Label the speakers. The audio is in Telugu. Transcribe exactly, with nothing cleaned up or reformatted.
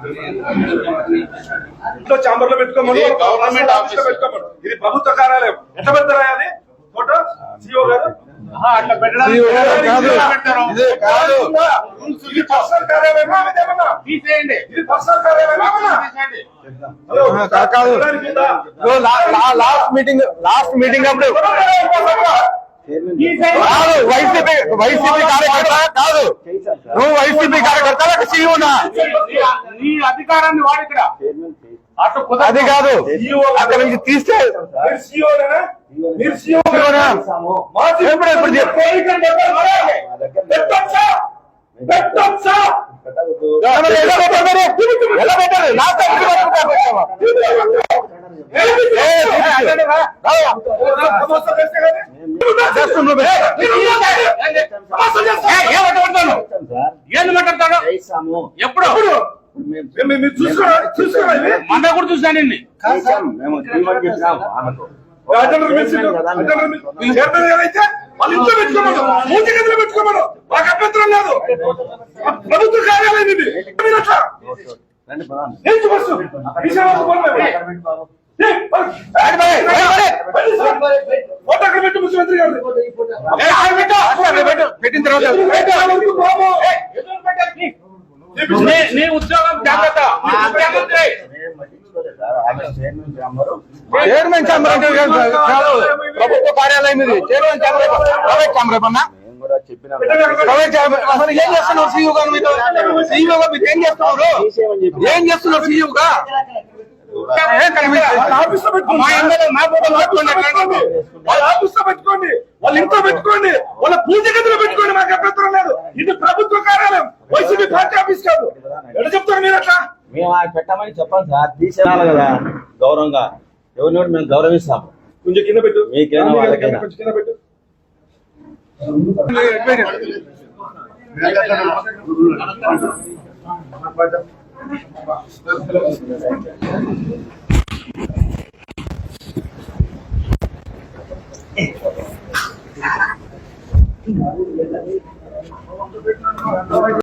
Speaker 1: ఇంట్లో చాంబర్ లో పెట్టుకోమని గవర్నమెంట్ ఆఫీస్ లో పెట్టుకోమని. ఇది ప్రభుత్వ కార్యాలయం. ఎట్లా పెడతారా అది ఫోటో సిఓ గారు? అట్లా పెట్టడానికి ఇది పర్సనల్ కార్యాలయమా? తీసేయండి. ఇది పర్సనల్ కార్యాలయమా?
Speaker 2: లాస్ట్ మీటింగ్ లాస్ట్ మీటింగ్ అప్పుడు కాదు వైసీపీ వైసీపీ కార్యకర్త కాదు, నువ్వు వైసీపీ కార్యకర్త సీఈఓనా?
Speaker 1: నీ అధికారాన్ని వాడు ఇక్కడ
Speaker 2: అది కాదు, అక్కడ నుంచి తీస్తే ఎలా పెట్టారు?
Speaker 1: ఏంది మాట్లాడతాడు? ఎప్పుడు మన కూడా చూసాను. వాళ్ళ ఇంట్లో పెట్టుకోమను, మూతి గదిలో పెట్టుకోమను, మాకు అభ్యంతరం లేదు. ప్రభుత్వ కార్యాలయం ఇది. ఫోటో అక్కడ పెట్టు ముఖ్యమంత్రి గారు పెట్టిన తర్వాత నీ ఉద్యోగం జాగ్రత్త.
Speaker 2: చైర్మన్ ఛాంబర్ అంటే ప్రభుత్వ కార్యాలయం ఇది. చైర్మన్ ఛాంబర్ ప్రైవేట్ ఛాంబర్ ఏమన్నా అసలు ఏం చేస్తున్నారు సీఈఓ గారు? మీరు సీఈఓ గా మీరు ఏం చేస్తున్నారు? ఏం చేస్తున్నారు సీఈఓగా?
Speaker 1: ఆఫీస్ లో పెట్టుకోండి, వాళ్ళ ఆఫీస్ లో పెట్టుకోండి, వాళ్ళ ఇంట్లో పెట్టుకోండి, వాళ్ళ పూజ గదిలో పెట్టుకోండి, మాకు అభ్యంతరం లేదు. ఇది ప్రభుత్వ కార్యాలయం, వైసీపీ పార్టీ ఆఫీస్ కాదు. ఎట్లా చెప్తారు మీరు? అట్లా
Speaker 3: మేము పెట్టమని చెప్పాలి సార్, తీసేయాలి కదా గౌరవంగా. ఎవరిని మేము గౌరవిస్తాం.
Speaker 1: కొంచెం కింద పెట్టు,
Speaker 3: మీకేనా వాళ్ళకైనా
Speaker 1: కొంచెం కింద పెట్టు.